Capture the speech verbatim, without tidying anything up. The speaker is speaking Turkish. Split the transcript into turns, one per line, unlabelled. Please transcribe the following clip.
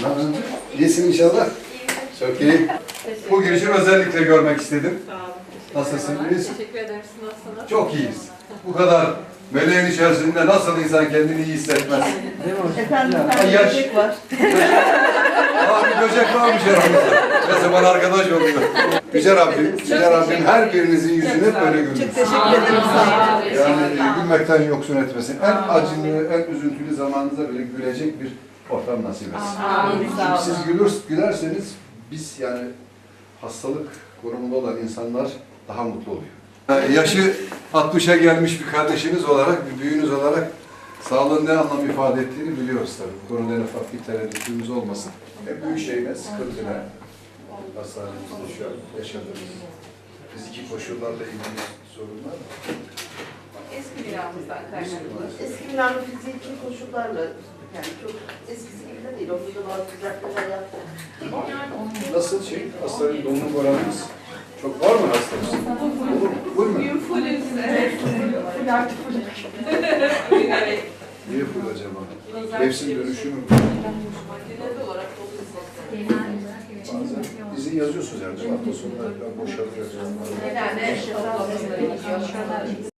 Ne yapıyorsun? İyisin inşallah. Çok iyi. Bu girişi özellikle görmek istedim.
Sağ olun.
Nasılsınız?
Teşekkür ederim. Siz nasılsınız?
Çok iyiyiz. Bu kadar meleğin içerisinde nasıl insan kendini iyi hissetmez?
Efendim,
Ya,
efendim
yaş-
böcek var.
Aa, bir böcek varmış aramızda. Neyse bana arkadaş oldu. Yüce Rabbim, Yüce Rabbim her birinizin yüzünü hep böyle güldürsün.
Çok teşekkür ederim. Sağ olun.
Yani e, gülmekten yoksun etmesin. En acılı, en üzüntülü zamanınızda bile gülecek bir ortam nasip etsin.
Amin. Sağ
Siz
olun.
gülür, gülerseniz biz yani hastalık konumunda olan insanlar daha mutlu oluyor. Yani yaşı altmışa gelmiş bir kardeşiniz olarak, bir büyüğünüz olarak sağlığın ne anlam ifade ettiğini biliyoruz tabii. Bu konuda en ufak bir tereddütümüz olmasın. En büyük şey ne? Sıkıntı ne? Hastanemizde şu an yaşadığımız fiziki koşullarla ilgili sorunlar mı?
Eski binamızdan kaynaklı.
Eski binanın fiziki koşullarla, yani çok eskisi gibi de değil. Orada da bazı düzeltmeler yaptık.
Nasıl şey? Hastanın doluluk oranımız çok var mı hastamız? Olur mu? Full mü?
Fullüz. Evet. Full artık full. Evet.
Niye full acaba? Mevsim dönüşümü mü?
Genel olarak doluyuz.
Bazen izin yazıyorsunuz yani. Hafta sonunda boşalıyor.
Genelde toplamda